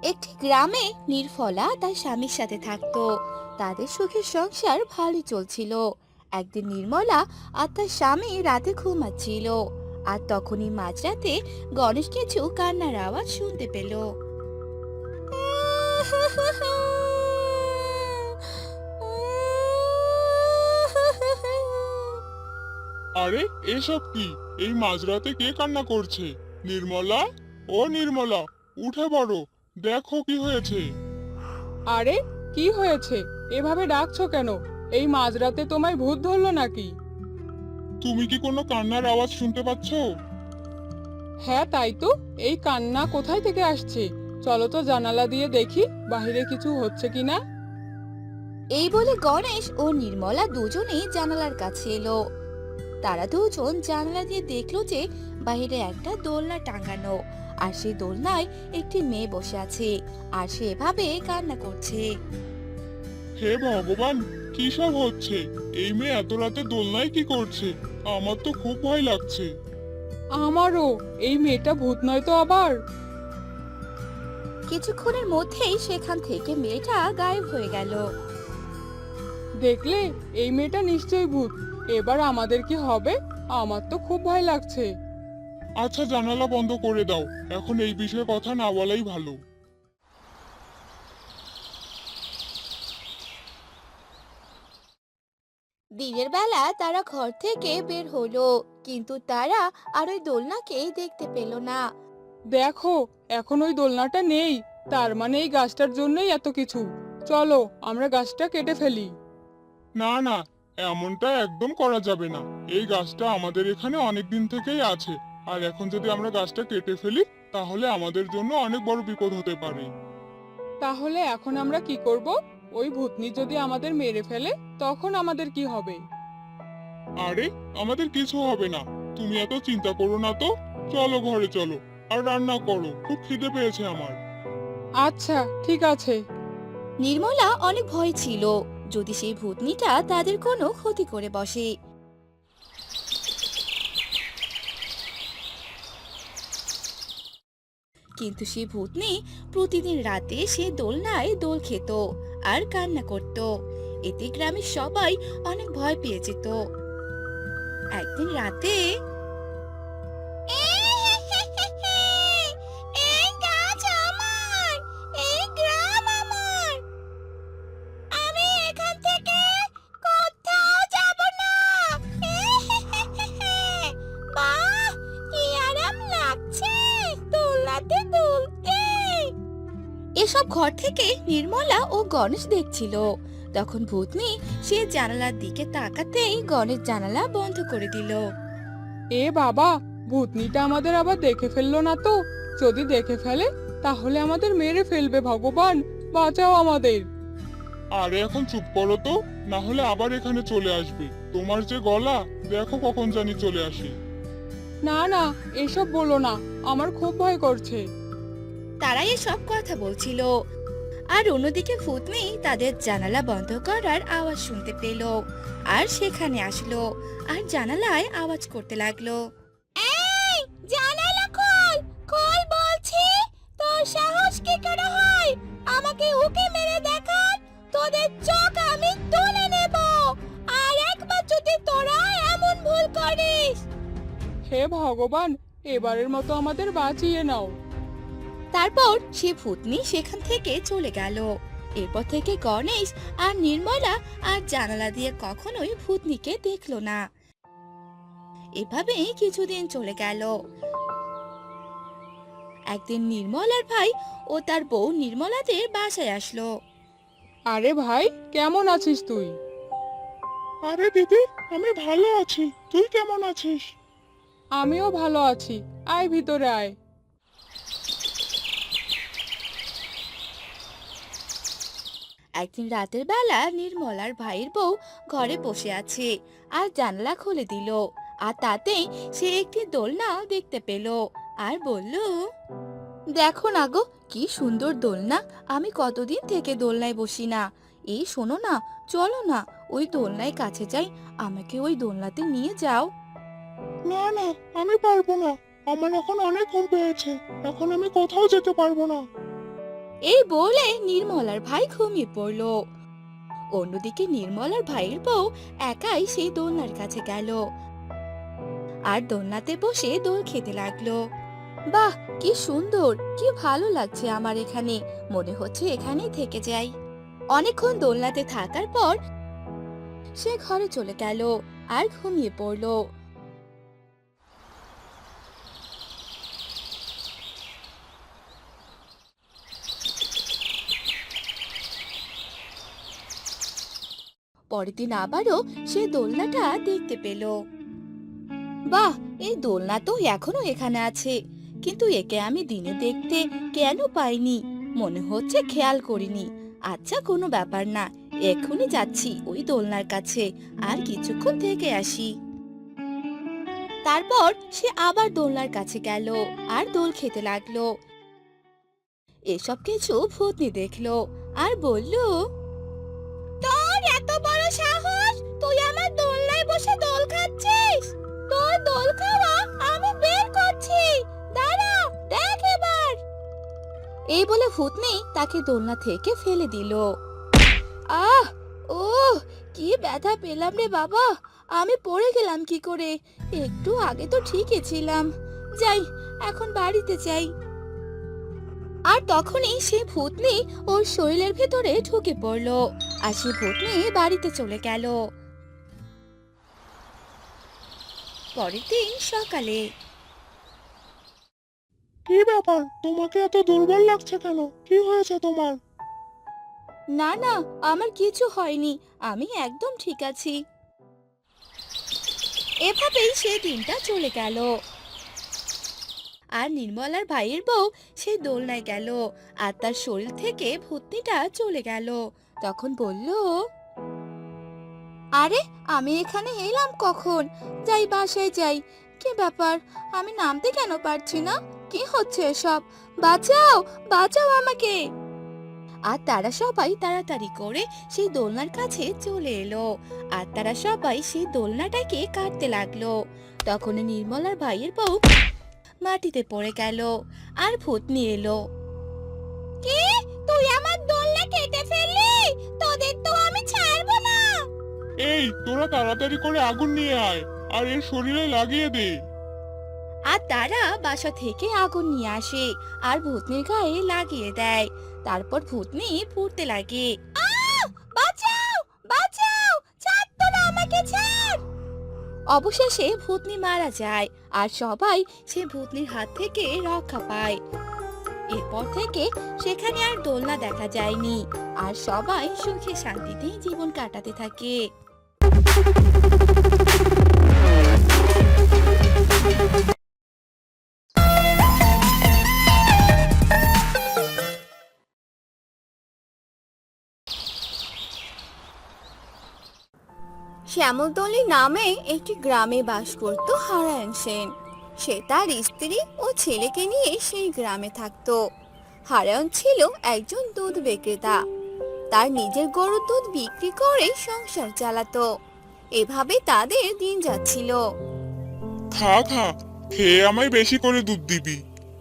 একটি গ্রামে নির্মলা তার স্বামীর সাথে থাকতো। তাদের সুখের সংসার ভালোই চলছিল। একদিন নির্মলা আর তার স্বামী রাতে ঘুমাচ্ছিল, আর তখনই মাঝরাতে গণেশ কিছু কান্নার আওয়াজ শুনতে পেল। আরে এসব কি? এই মাঝরাতে কে কান্না করছে? নির্মলা, ও নির্মলা, উঠে পড়ো, দেখো কি হয়েছে। আরে, কি হয়েছে? এভাবে ডাকছো কেন? এই মাঝরাতে তোমায় ভূত ধরলো নাকি? তুমি কি কোনো কান্নার আওয়াজ শুনতে পাচ্ছ? হ্যাঁ, তাই তো। এই কান্না কোথায় থেকে আসছে? চলো তো জানালা দিয়ে দেখি বাইরে কিছু হচ্ছে কিনা। এই বলে গণেশ ও নির্মলা দুজনেই জানালার কাছে এলো। তারা দুজন জানালা দিয়ে দেখলো যে বাইরে একটা দোলনা টাঙানো, আর সেই দোলনায় একটি মেয়ে বসে আছে, আর সে এভাবে কান্না করছে। হে ভগবান, কি সব হচ্ছে? এই মেয়ে এত রাতে দোলনায় কি করছে? আমার তো খুব ভয় লাগছে। আমারও। এই মেয়েটা ভূত নয় তো আবার? কিছুক্ষণের মধ্যেই সেখান থেকে মেয়েটা গায়েব হয়ে গেল। দেখলে, এই মেয়েটা নিশ্চয়ই ভূত। এবার আমাদের কি হবে? আমার তো খুব ভয় লাগছে। আচ্ছা, জানালা বন্ধ করে দাও। এখন এই বিষয়ে কথা না বলাই ভালো। দিনের বেলা তারা ঘর থেকে বের হলো, কিন্তু তারা আর ওই দোলনাকেই দেখতে পেল না। দেখো, এখন ওই দোলনাটা নেই। তার মানে এই গাছটার জন্যই এত কিছু। চলো, আমরা গাছটা কেটে ফেলি। না না, এমনটা একদম করা যাবে না। এই গাছটা আমাদের এখানে অনেক দিন থেকেই আছে, আর এখন যদি আমরা গাছটা কেটে ফেলি, তাহলে আমাদের জন্য অনেক বড় বিপদ হতে পারে। তাহলে এখন আমরা কি করব? ওই ভূতনি যদি আমাদের মেরে ফেলে, তখন আমাদের কি হবে? আরে, আমাদের কিছু হবে না। তুমি এত চিন্তা করো না তো। চলো ঘরে চলো, আর রান্না করো, খুব খিদে পেয়েছে আমার। আচ্ছা, ঠিক আছে। নির্মলা অনেক ভয় ছিল, যদি সেই ভূতনিটা তাদের কোনো ক্ষতি করে বসে। কিন্তু সেই ভূতনি প্রতিদিন রাতে সে দোলনায় দোল খেত আর কান্না করত। এতে গ্রামের সবাই অনেক ভয় পেয়ে যেত। একদিন রাতে এই গাছ আমার, এই গ্রাম আমার, আমি এখান থেকে কোথাও যাব না। বাহ, কি আরাম লাগছে দোলনাতে দুলতে। এসব ঘর থেকে নির্মলা ও গণেশ দেখছিল। তখন ভূতনি সে জানালার দিকে তাকাতেই গণেশ জানালা বন্ধ করে দিল। এ বাবা, ভূতনিটা আমাদের আবার দেখে ফেললো না তো? যদি দেখে ফেলে, তাহলে আমাদের মেরে ফেলবে। ভগবান, বাঁচাও আমাদের। আরে এখন চুপ করো তো, না হলে আবার এখানে চলে আসবে। তোমার যে গলা, দেখো কখন জানি চলে আসে। না না, এসব বলো না। আমার খুব ভয় করছে। তারা এসব কথা বলছিল, আর অন্যদিকে ভূতনি তাদের জানালা বন্ধ করার আওয়াজ শুনতে পেল, আর সেখানে আসলো, আর জানালায় আওয়াজ করতে লাগলো। এই, জানালা খোল, খোল বলছি। তোর সাহস কি করে হয় আমাকে উকি মেরে দেখার? তোদের চোখ আমি তুলে নেব, আর একবার যদি তোরা এমন ভুল করিস। হে ভগবান, এবারের মতো আমাদের বাঁচিয়ে নাও। তারপর সে ভূতনি সেখান থেকে চলে গেল। এরপর থেকে গণেশ আর নির্মলা আর জানালা দিয়ে কখনোই ভূতনিকে দেখলো না। এভাবেই কিছুদিন চলে গেল। একদিন নির্মলার ভাই ও তার বউ নির্মলাদের বাসায় আসলো। আরে ভাই, কেমন আছিস তুই? আরে দিদি, আমি ভালো আছি। তুই কেমন আছিস? আমিও ভালো আছি। আয় ভিতরে আয়। একদিন রাতের বেলা নির্মলার ভাইয়ের বউ ঘরে বসে আছে, আর জানালা খুলে দিল, আর তাতেই সে একটি দোলনা দেখতে পেল, আর বলল, দেখো না গো, কি সুন্দর দোলনা। আমি কতদিন থেকে দোলনায় বসি না। এই শোনো না, চলো না ওই দোলনায় কাছে যাই, আমাকে ওই দোলনাতে নিয়ে যাও। না না, আমি পারবো না। আমার এখন অনেক ঘুম পেয়েছে। এখন আমি কোথাও যেতে পারবো না। এই বলে নির্মলার ভাই ঘুমিয়ে পড়লো। অন্যদিকে নির্মলার ভাইয়ের বউ একাই সেই দোলনার কাছে গেল আর দোলনাতে বসে দোল খেতে লাগলো। বাহ, কি সুন্দর, কি ভালো লাগছে আমার এখানে, মনে হচ্ছে এখানেই থেকে যাই। অনেকক্ষণ দোলনাতে থাকার পর সে ঘরে চলে গেল আর ঘুমিয়ে পড়লো। পরের দিন আবারও সে দোলনাটা দেখতে পেল। বাহ, এই দোলনা তো এখনো এখানে আছে, কিন্তু একে আমি দিনে দেখতে কেন পাইনি? মনে হচ্ছে খেয়াল করিনি। আচ্ছা, কোনো ব্যাপার না, এক্ষুনি যাচ্ছি ওই দোলনার কাছে, আর কিছুক্ষণ থেকে আসি। তারপর সে আবার দোলনার কাছে গেল আর দোল খেতে লাগলো। এসব কিছু ভূতনি দেখলো আর বলল, তোর এত বড় সাহস, তুই আমার দোলনায় বসে দোল খাচ্ছিস? তোর দোল খাওয়া আমি বের করছি, দাঁড়া, দেখ এবার। এই বলে ভূতনি তাকে দোলনা থেকে ফেলে দিল। আহ, ও, কি ব্যথা পেলাম রে বাবা, আমি পড়ে গেলাম কি করে? একটু আগে তো ঠিকই ছিলাম। যাই, এখন বাড়িতে যাই। আর তখনই সে ভূতনি ওর শরীরের ভেতরে ঢুকে পড়লো আর সে ভূতনি বাড়িতে চলে গেল। পরের দিন সকালে। কি ব্যাপার, তোমাকে এত দুর্বল লাগছে কেন? কি হয়েছে তোমার? না না, আমার কিছু হয়নি, আমি একদম ঠিক আছি। এভাবেই সে দিনটা চলে গেল। আর নির্মলার ভাইয়ের বউ সে দোলনায় গেল আর তার শরীর থেকে ভূতনিটা চলে গেল। তখন বলল, আরে, আমি এখানে এলাম কখন? যাই, বাসায় যাই। কি ব্যাপার, আমি নামতে কেন পারছি না? কি হচ্ছে এসব? বাঁচাও, বাঁচাও আমাকে। আর তারা সবাই তাড়াতাড়ি করে সেই দোলনার কাছে চলে এলো আর তারা সবাই সেই দোলনাটাকে কাটতে লাগলো। তখন নির্মলার ভাইয়ের বউ মাটিতে পড়ে গেল আর ভূতনি এলো। কি, তুই আমার দোলনা কেটে ফেললি? তোদের তো আমি ছাড়বো না। এই, তোরা তাড়াতাড়ি করে আগুন নিয়ে আয় আর এর শরীরে লাগিয়ে দে। আর তারা বাসা থেকে আগুন নিয়ে আসে আর ভূতনির গায়ে লাগিয়ে দেয়। তারপর ভূতনি পুড়তে লাগে। বাঁচাও, বাঁচাও, ছাড়, তোরা আমাকে ছাড়। অবশেষে ভূতনি মারা যায় আর সবাই সে ভূতনির হাত থেকে রক্ষা পায়। এরপর থেকে সেখানে আর দোলনা দেখা যায়নি আর সবাই সুখে শান্তিতে জীবন কাটাতে থাকে। শ্যামলতলী নামে একটি গ্রামে বাস করত হারায়ণ সেন। সে তার স্ত্রী ও ছেলেকে নিয়ে সেই গ্রামে থাকতো। হারায়ণ ছিল একজন দুধ বিক্রেতা। তার নিজের গরুর দুধ বিক্রি করে সংসার চালাতো। এভাবে তাদের দিন যাচ্ছিল। খা খা, খেয়ে আমায় বেশি করে দুধ দিবি।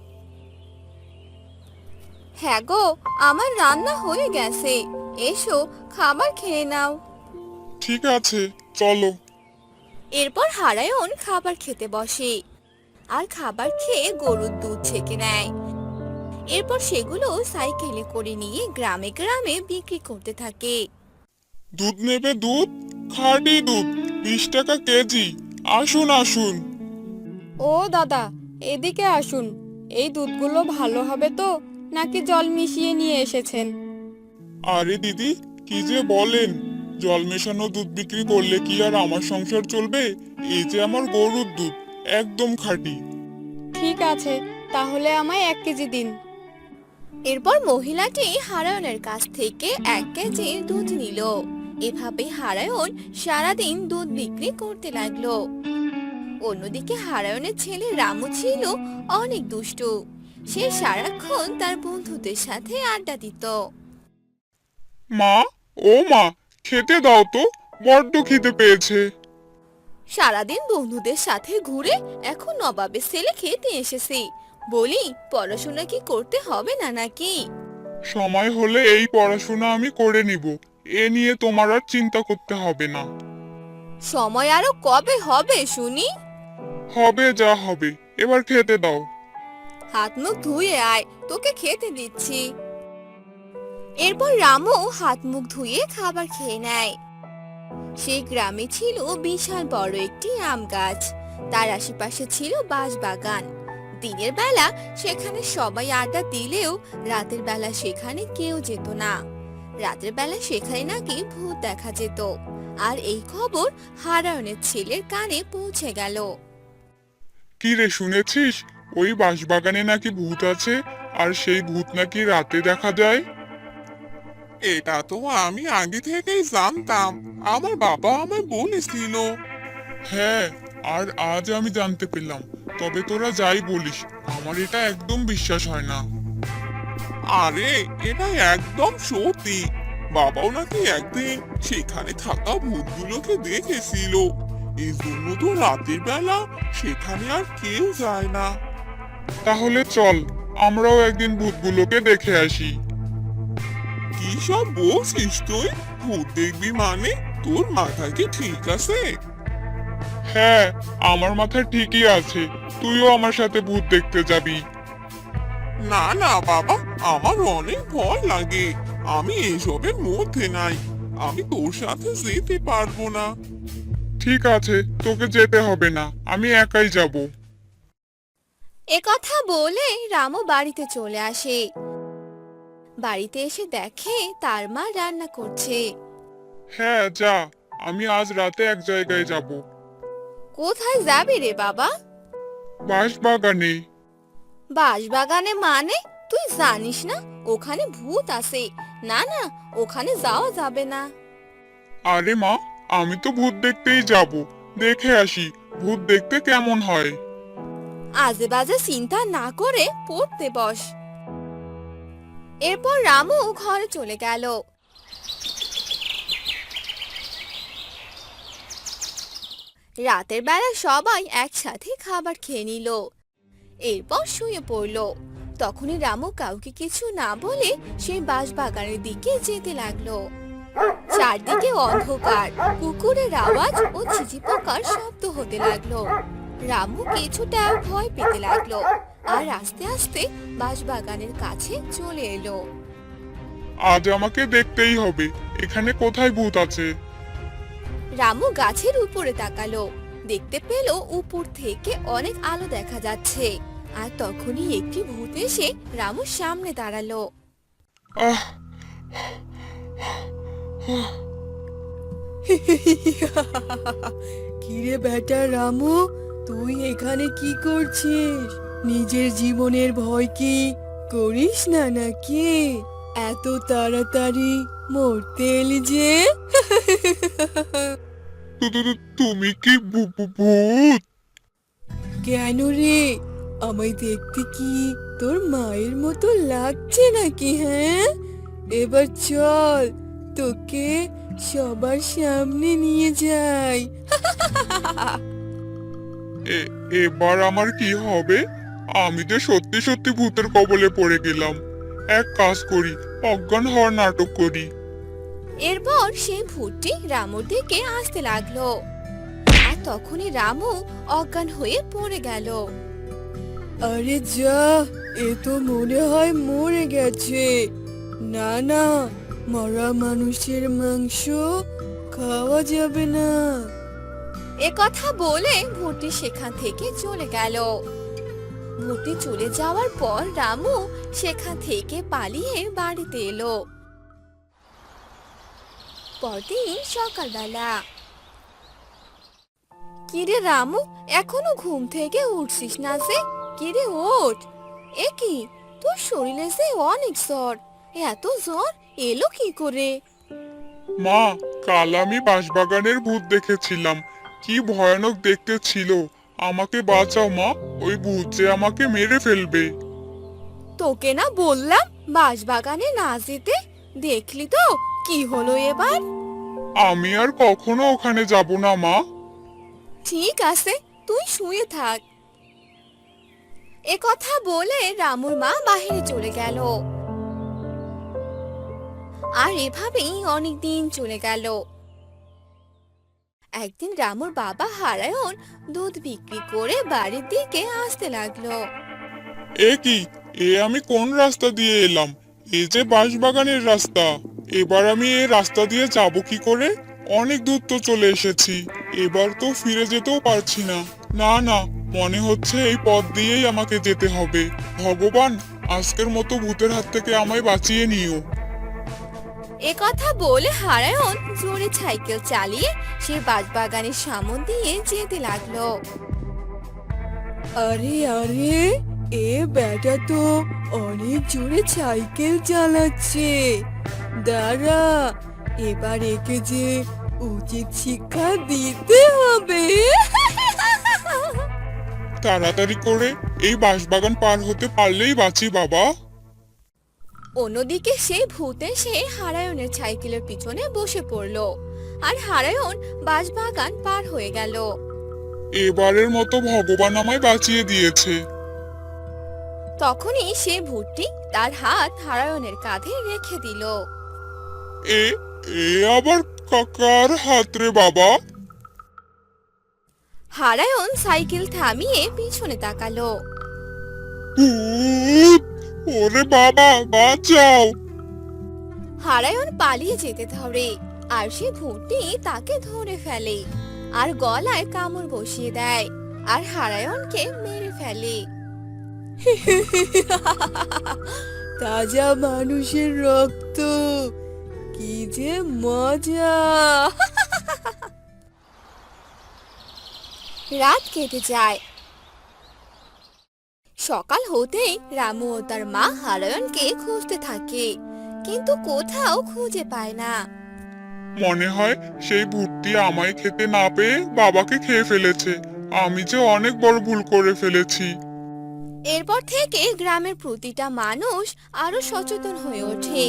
হ্যাঁ গো, আমার রান্না হয়ে গেছে, এসো খাবার খেয়ে নাও। ঠিক আছে, চলো। এরপর হারায়ণ খাবার খেতে বসে আর খাবার খেয়ে গরুর দুধ ছেঁকে নেয়। এরপর সেগুলো সাইকেলে করে নিয়ে গ্রামে গ্রামে বিক্রি করতে থাকে। দুধ নেবে? দুধ, খাঁটি দুধ, 20 টাকা কেজি। আসুন আসুন। ও দাদা, এদিকে আসুন। এই দুধগুলো ভালো হবে তো, নাকি জল মিশিয়ে নিয়ে এসেছেন? আরে দিদি, কি যে বলেন! জল মেশানো দুধ বিক্রি করলে কি আর আমার সংসার চলবে? এই যে আমার গরুর দুধ, একদম খাঁটি। ঠিক আছে, তাহলে আমায় 1 কেজি দিন। এরপর মহিলাটি হারায়ণের কাছ থেকে 1 কেজি দুধ নিল। এভাবে হারায়ণ সারাদিন দুধ বিক্রি করতে লাগলো। অন্যদিকে হারায়ণের ছেলে রামু ছিল অনেক দুষ্টু। সে সারাক্ষণ তার বন্ধুদের সাথে আড্ডা দিত। মা, ও মা, খেতে দাও তো, বড্ড খিদে পেয়েছে। সারাদিন বন্ধুদের সাথে ঘুরে এখন নবাবের ছেলে খেতে এসেছে। বলি, পড়াশোনা কি করতে হবে না নাকি? সময় হলে এই পড়াশোনা আমি করে নিব। এ নিয়ে তোমার আর চিন্তা করতে হবে না। সময় আরো কবে হবে শুনি? হবে যা হবে, এবার খেতে দাও। হাত মুখ ধুয়ে আয়, তোকে খেতে দিচ্ছি। এরপর রামু হাত মুখ ধুয়ে খাবার খেয়ে নেয়। সেই গ্রামে ছিল বিশাল বড় একটি আম গাছ। তার আশেপাশে ছিল বাঁশবাগান। দিনের বেলা সেখানে সবাই আড্ডা দিলেও রাতের বেলা সেখানে কেউ যেত না। রাতের বেলা সেখানে নাকি ভূত দেখা যেত। আর এই খবর হারায়নের ছেলের কানে পৌঁছে গেল। কি রে, শুনেছিস ওই বাঁশবাগানে নাকি ভূত আছে, আর সেই ভূত নাকি রাতে দেখা যায়? এটা তো আমি আগে থেকেই জানতাম, আমার বাবা আমায় বলেছিল। হ্যাঁ, আর আজ আমি জানতে পেলাম। তবে তোরা যাই বলিস, আমার এটা একদম বিশ্বাস হয় না। আরে এটা একদম সত্যি, বাবাও নাকি একদিন সেখানে থাকা ভূতগুলোকে দেখেছিল। এই জন্য তো রাতের বেলা সেখানে আর কেউ যায় না। তাহলে চল, আমরাও একদিন ভূতগুলোকে দেখে আসি। কি সব বলছিস তুই? ভূত দেখবি মানে? তোর মাথা কি ঠিক আছে? হ্যাঁ, আমার মাথায় ঠিকই আছে। তুইও আমার সাথে ভূত দেখতে যাবি? না না বাবা, আমার অনেক ভয় লাগে। আমি এসবের মধ্যে নাই, আমি তোর সাথে যেতে পারবো না। ঠিক আছে, তোকে যেতে হবে না, আমি একাই যাব। একথা বলে রামু বাড়িতে চলে আসে। বাড়িতে এসে দেখে তার মা রান্না করছে। হ্যাঁ যা, আমি আজ রাতে এক জায়গায় যাব। কোথায় যাবি রে বাবা? বাঁশবাগানে। বাঁশবাগানে মানে? তুই জানিস না ওখানে ভূত আছে। না না, ওখানে যাওয়া যাবে না। আরে মা, আমি তো ভূত দেখতেই যাব। দেখে আসি ভূত দেখতে কেমন হয়। আজে বাজে চিন্তা না করে পড়তে বস। এরপর রামু ঘরে চলে গেল। রাতের বেলা সবাই একসাথে খাবার খেয়ে নিল। এরপর শুয়ে পড়ল। তখনই রামু কাউকে কিছু না বলে সেই বাঁশবাগানের দিকে যেতে লাগলো। চারদিকে অন্ধকার, কুকুরের আওয়াজ ও ঝিঝি পোকার শব্দ হতে লাগলো। রামু কিছুটা ভয় পেতে লাগলো আর আস্তে আস্তে বাঁশবাগানের কাছে চলে এলো। আজ আমাকে দেখতেই হবে, এখানে কোথায় ভূত আছে। রামু গাছের উপরে তাকালো। দেখতে পেল উপর থেকে অনেক আলো দেখা যাচ্ছে। আর তখনই একটি ভূত এসে রামুর সামনে দাঁড়ালো। আহ কিরে বেটা রামু, তুই এখানে কি করছিস? নিজের জীবনের ভয় কি করিস না নাকি? এত তাড়াতাড়ি মরতে এলি যে? তুমি কি ভূত? কেন রে, আমায় দেখতে কি তোর মায়ের মতো লাগছে নাকি? হ্যাঁ, এবার চল, তোকে সবার সামনে নিয়ে যাই। এবার আমার কি হবে? আমি যে সত্যি সত্যি ভূতের কবলে পড়ে গেলাম। এক কাজ করি, অজ্ঞান হওয়ার নাটক করি। এরপর সেই ভূতটি রামুর দিকে আসতে লাগলো। আর তখনই রামু অজ্ঞান হয়ে পড়ে গেল। আরে যা, এ তো মনে হয় মরে গেছে। না না, মরা মানুষের মাংস খাওয়া যাবে না। একথা বলে ভূতটি সেখান থেকে চলে গেল। ভূতটি চলে যাওয়ার পর রামু সেখান থেকে পালিয়ে বাড়িতে এলো। পরদিন সকালবেলা। কিরে রামু, এখনো ঘুম থেকে উঠছিস না যে? কিরে ওঠ। এ কি, তোর শরীরে যে অনেক জ্বর। এত জ্বর এলো কি করে? মা, কাল আমি বাঁশবাগানের ভূত দেখেছিলাম। কি ভয়ানক দেখতে ছিল। আমাকে বাঁচাও মা, ওই ভূত যে আমাকে মেরে ফেলবে। তোকে না বললাম বাঁশবাগানে না যেতে? দেখলি তো কি হলো এবার? আমি আর কখনো ওখানে যাব না মা। ঠিক আছে, তুই শুয়ে থাক। একথা বলে রামুর মা বাহিরে চলে গেল। আর এভাবেই অনেক দিন চলে গেল। একদিন রামুর বাবা হারায়ন দুধ বিক্রি করে বাড়ির দিকে আসতে লাগলো। এ কি, আমি কোন রাস্তা দিয়ে এলাম? এই যে বাঁশবাগানের রাস্তা। এবার আমি এই রাস্তা দিয়ে যাব কি করে? অনেক দূর তো চলে এসেছি, এবার তো ফিরে যেতেও পারছি না। না না, মনে হচ্ছে এই পথ দিয়েই আমাকে যেতে হবে। ভগবান, আজকের মতো ভূতের হাত থেকে আমায় বাঁচিয়ে নিও। এ কথা বলে হারায়ন জোরে সাইকেল চালিয়ে সে বাঁশবাগানের সামন দিয়ে যেতে লাগলো। আরে আরে, এ বেটা তো অনেক জোরে সাইকেল চালাচ্ছে। দাঁড়া, এবার একে যে উচিত শিক্ষা দিতে হবে। তাড়াতাড়ি করে এই বাঁশবাগান পার হতে পারলেই বাঁচি বাবা। অন্যদিকে সেই ভূত এসে হারায়নের সাইকেলের পিছনে বসে পড়লো আর হারায়ন বাঁশবাগান পার হয়ে গেল। এবারের মতো ভগবান আমায় বাঁচিয়ে দিয়েছে। তখনই সে ভূতটি তার হাত হারায়নের কাঁধে রেখে দিল। এ এ আবার কাকার হাত রে বাবা? হারায়ন সাইকেল থামিয়ে পিছনে তাকালো। ভূত! ওরে বাবা, বাঁচাও! হারায়ন পালিয়ে যেতে ধরে আর সে ভূতটি তাকে ধরে ফেলে আর গলায় কামড় বসিয়ে দেয় আর হারায়নকে মেরে ফেলে। তাজা মানুষের রক্ত, কি যে মজা! রাত কেটে যায়। সকাল হতেই রামু ও তার মা হারায়নকে খুঁজতে থাকে, কিন্তু কোথাও খুঁজে পায় না। মনে হয় সেই ভূতটি আমায় খেতে না পেয়ে বাবাকে খেয়ে ফেলেছে। আমি যে অনেক বড় ভুল করে ফেলেছি। এরপর থেকে গ্রামের প্রতিটা মানুষ আরো সচেতন হয়ে ওঠে।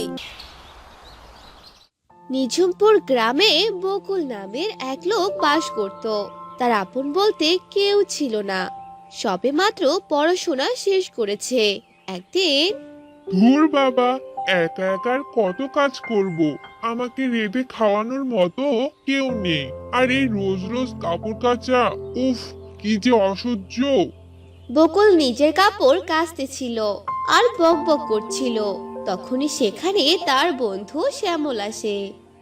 নিঝুমপুর গ্রামে বকুল নামের এক লোক বাস করত। তার আপন বলতে কেউ ছিল না, সবে মাত্র পড়াশোনা শেষ করেছে। একদিন ধুর বাবা, একা একা আর কত কাজ করব? আমাকে রেঁধে খাওয়ানোর মতো কেউ নেই। আর এই রোজ রোজ কাপড় কাচা, উফ, কি যে অসহ্য! বকুল নিজের কাপড় কাচতেছিল আর বক বক করছিল। তখনই সেখানে তার বন্ধু শ্যামল আসে।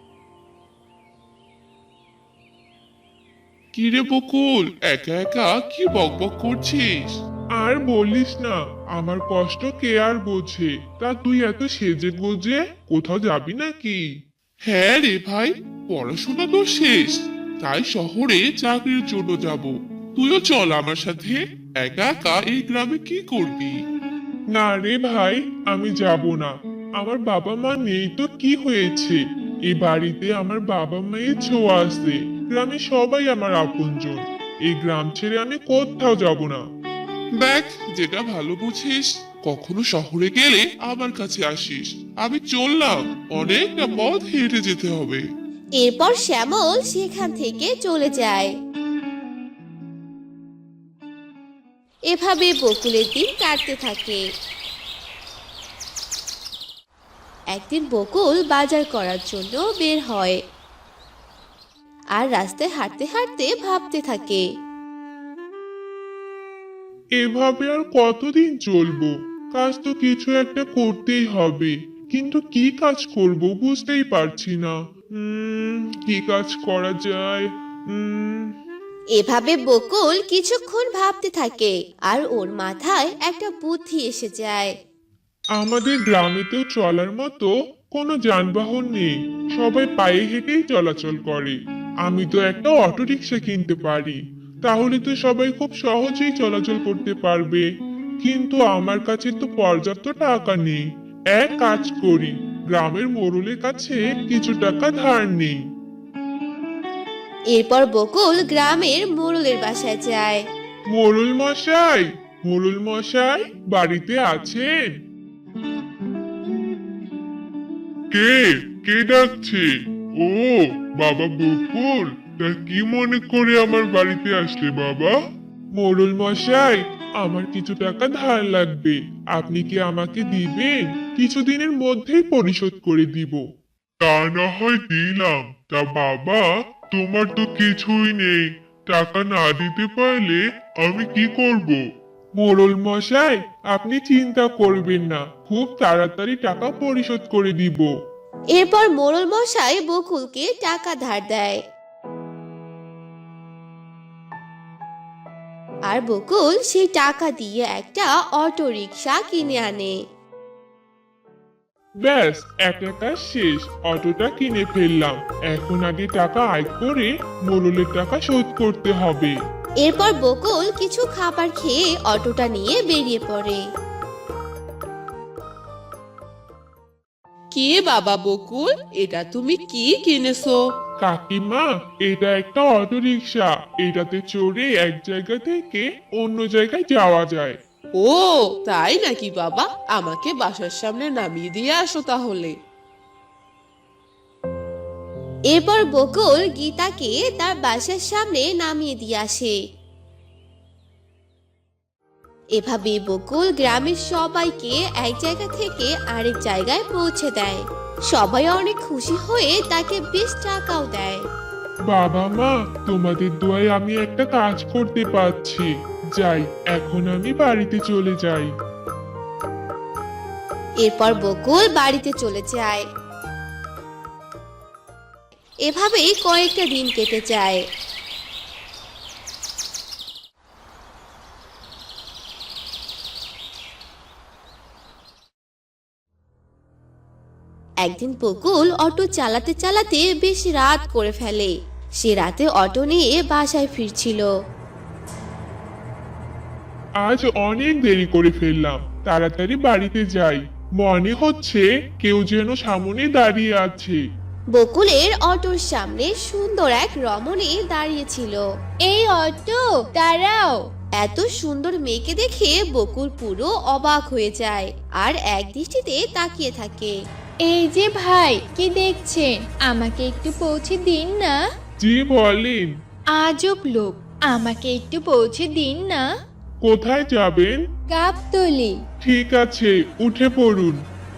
কিরে বকুল, একা একা কি বকবক করছিস? আর বলিস না, আমার কষ্ট কে আর বোঝে? তা তুই এত সেজে গুজে কোথাও যাবি নাকি? হ্যাঁ রে ভাই, পড়াশোনা তো শেষ, তাই শহরে চাকরির জন্য যাব। তুইও চল আমার সাথে। একা একা এই গ্রামে কি করবি? না রে ভাই, আমি যাব না। আমার বাবা মা নেই তো কি হয়েছে? এই বাড়িতে আমার বাবা মায়ের ছোঁয়া আছে। গ্রামে সবাই আমার আপনজন। এই গ্রাম ছেড়ে আমি কোথাও যাব না। দেখ, যেটা ভালো বুঝিস। কখনো শহরে গেলে আমার কাছে আসিস। আমি চললাম, অনেকটা পথ হেঁটে যেতে হবে। এরপর শ্যামল সেখান থেকে চলে যায়। এভাবে বকুলের দিন কাটতে থাকে। একদিন বকুল বাজার করার জন্য বের হয় আর রাস্তায় হাঁটতে হাঁটতে ভাবতে থাকে। এভাবে আর কতদিন চলবো? কাজ তো কিছু একটা করতেই হবে, কিন্তু কি কাজ করব বুঝতেই পারছি না। কি কাজ করা যায়? এভাবে বকুল কিছুক্ষণ ভাবতে থাকে আর ওর মাথায় একটা বুদ্ধি এসে যায়। আমাদের গ্রামে তো চলার মতো কোনো যানবাহন নেই, সবাই পায়ে হেঁটেই চলাচল করে। আমি তো একটা অটো রিক্সা কিনতে পারি, তাহলে তো সবাই খুব সহজেই চলাচল করতে পারবে। কিন্তু আমার কাছে তো পর্যাপ্ত টাকা নেই। এক কাজ করি, গ্রামের মোড়লের কাছে কিছু টাকা ধার নেই। এরপর বকুল গ্রামের মোড়লের বাসায় যায়। মোড়ল মশাই, মোড়ল মশাই, বাড়িতে আছেন? কে কে ডাকছে? ও বাবা বকুল, তা কি মনে করে আমার বাড়িতে আসলে বাবা? মোড়ল মশাই, আমার কিছু টাকা ধার লাগবে, আপনি কি আমাকে দিবেন? কিছুদিনের মধ্যেই পরিশোধ করে দিব। তা না হয় দিলাম, তা বাবা তোমার তো কিছুই নেই, টাকা না দিতে পারলে আমি কি করব? মোড়ল মশাই, আপনি চিন্তা করবেন না, খুব তাড়াতাড়ি টাকা পরিশোধ করে দিব। এরপর মোড়ল মশাই বকুলকে টাকা ধার দেয়। আর বকুল সেই টাকা দিয়ে একটা অটো রিকশা কিনে আনে। ব্যাস, একটা কাজ শেষ, অটোটা কিনে ফেললাম। এখন আগে টাকা আয় করে মোড়লের টাকা শোধ করতে হবে। এরপর বকুল কিছু খাবার খেয়ে অটোটা নিয়ে বেরিয়ে পড়ে। কি বাবা বকুল, এটা তুমি কি কিনেছো? কাকিমা, এটা একটা অটো রিক্সা, এটাতে চড়ে এক জায়গা থেকে অন্য জায়গায় যাওয়া যায়। ও তাই নাকি বাবা, আমাকে বাসার সামনে নামিয়ে দিয়ে আসো তাহলে। এরপর বকুল গীতাকে তার বাসার সামনে নামিয়ে দিয়ে আসে। এভাবে বকুল গ্রামের সবাইকে এক জায়গা থেকে আরেক জায়গায় পৌঁছে দেয়। সবাই অনেক খুশি হয়ে তাকে বেশ টাকাও দেয়। বাবা মা, তোমাদের দোয়ায় আমি একটা কাজ করতে পারছি। যাই, এখন আমি বাড়িতে চলে যাই। এরপর বকুল বাড়িতে চলে যায়। এভাবেই কয়েকটা দিন কেটে যায়। একদিন বকুল অটো চালাতে চালাতে বেশ রাত করে ফেলে। সে রাতে অটো নিয়ে বাসায় ফিরছিল। আজ অনেক দেরি করে ফেললাম, তাড়াতাড়ি বাড়িতে যাই। মনে হচ্ছে কেউ যেন সামনে দাঁড়িয়ে আছে। বকুলের অটোর সামনে সুন্দর এক রমণী দাঁড়িয়েছিল। এই অটো, দাঁড়াও। এত সুন্দর মেয়েকে দেখে বকুল পুরো অবাক হয়ে যায় আর এক দৃষ্টিতে তাকিয়ে থাকে। এই যে ভাই, কি দেখছেন? আমাকে একটু পৌঁছে দিন না। জি বলেন। আজব লোক, আমাকে একটু পৌঁছে দিন না। কোথায় যাবেন? গাবতলি। ঠিক আছে, উঠে পড়ুন।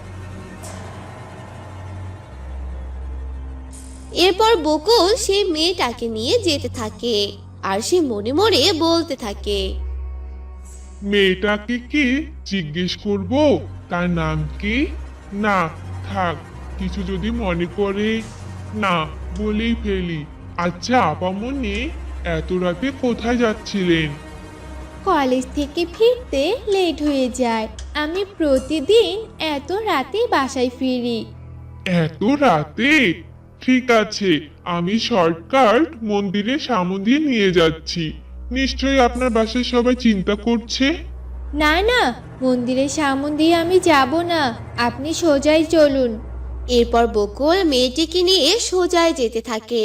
এরপর বকুল সেই মেয়েটাকে নিয়ে যেতে থাকে আর সে মনে মনে বলতে থাকে, মেয়েটাকে কি জিজ্ঞেস করব তার নাম কি? না, থাক, কিছু যদি মনে করে, না বলেই ফেলি। আচ্ছা আপামনি, এত রাতে কোথায় যাচ্ছিলেন? কলেজ থেকে ফিরতে লেট হয়ে যায়। আমি প্রতিদিন এত রাতে বাসায় ফিরি। এত রাতে? ঠিক আছে, আমি শর্টকাট মন্দিরের সামনে দিয়ে নিয়ে যাচ্ছি। নিশ্চয়ই আপনার বাসায় সবাই চিন্তা করছে। না না, মন্দিরের সামন দিয়ে আমি যাব না, আপনি সোজাই চলুন। এরপর বকুল মেয়েটিকে নিয়ে সোজায় যেতে থাকে।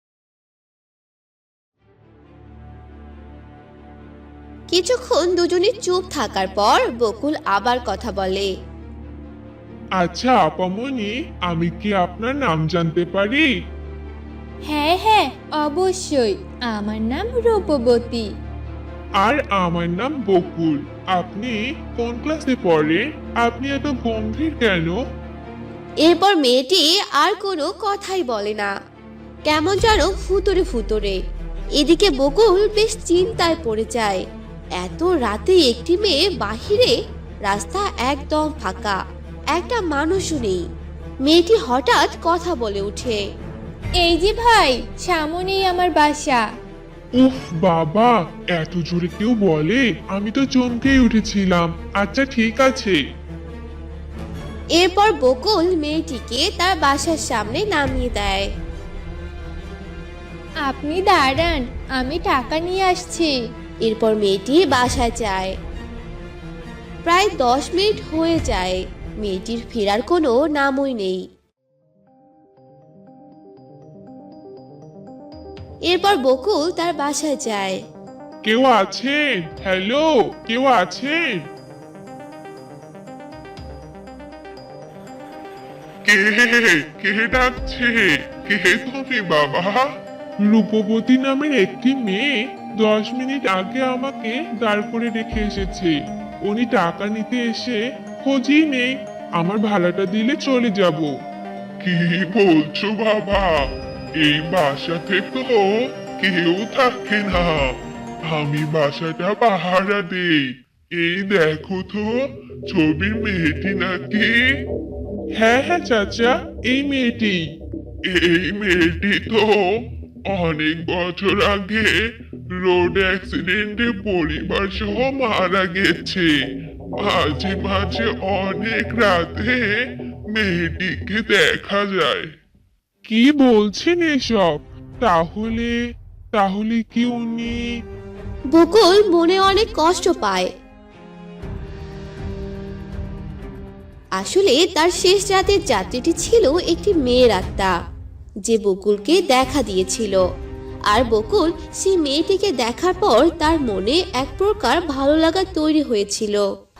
কিছুক্ষণ দুজনে চুপ থাকার পর বকুল আবার কথা বলে। আচ্ছা আপামনি, আমি কি আপনার নাম জানতে পারি? হ্যাঁ হ্যাঁ, অবশ্যই, আমার নাম রূপবতী। আর আমার নাম বকুল। আপনি কোন ক্লাসে পড়েন? আপনি এত গম্ভীর কেন? এরপর মেয়েটি আর কোনো কথাই বলে না, কেমন যেন ফুতরে ফুতরে। এদিকে বকুল বেশ চিন্তায় পড়ে যায়। এত রাতে একটি মেয়ে বাহিরে, রাস্তা একদম ফাঁকা, একটা মানুষও নেই। মেয়েটি হঠাৎ কথা বলে ওঠে। এই যে ভাই, সামনেই আমার বাসা। উফ বাবা, এত জোরে কেউ বলে? আমি তো চমকেই উঠেছিলাম। আচ্ছা ঠিক আছে। এরপর বকুল মেয়েটিকে তার বাসার সামনে নামিয়ে দেয়। আপনি দাঁড়ান, আমি টাকা নিয়ে আসছি। এরপর মেয়েটি বাসায় যায়। প্রায় 10 মিনিট হয়ে যায়, মেয়েটির ফেরার কোনো নামই নেই। এরপর বকুল তার বাসায় যায়। কেউ আছেন? হ্যালো, কেউ আছেন? কে কে ডাকছে? কে তুমি বাবা? রূপবতী নামের একটি মেয়ে 10 মিনিট আগে আমাকে দাঁড় করে রেখে এসেছে। উনি টাকা নিতে এসে খোঁজই নেই। আমার ভাড়াটা দিলে চলে যাব। কি বলছো বাবা? এই বাসাতে তো কেউ থাকে না। আমি বাসাটা পাহারা দেই। এই দেখো তো, ছবির মেয়েটি নাকি? হ্যাঁ হ্যাঁ চাচা, এই মেয়েটি। এই মেয়েটি তো অনেক বছর আগে রোড অ্যাক্সিডেন্টে পরিবার সহ মারা গেছে। মাঝে মাঝে অনেক রাতে মেয়েটিকে দেখা যায়। কি বলছেন এসব? তাহলে তাহলে কি উনি? বকুল মনে অনেক কষ্ট পায়। আসলে তার শেষ রাতের যাত্রীটি ছিল একটি মেয়ের আত্মা, যে বকুলকে দেখা দিয়েছিল। আর বকুল সেই মেয়েটিকে দেখার পর তার মনে এক প্রকার ভালো লাগা তৈরি হয়েছিল।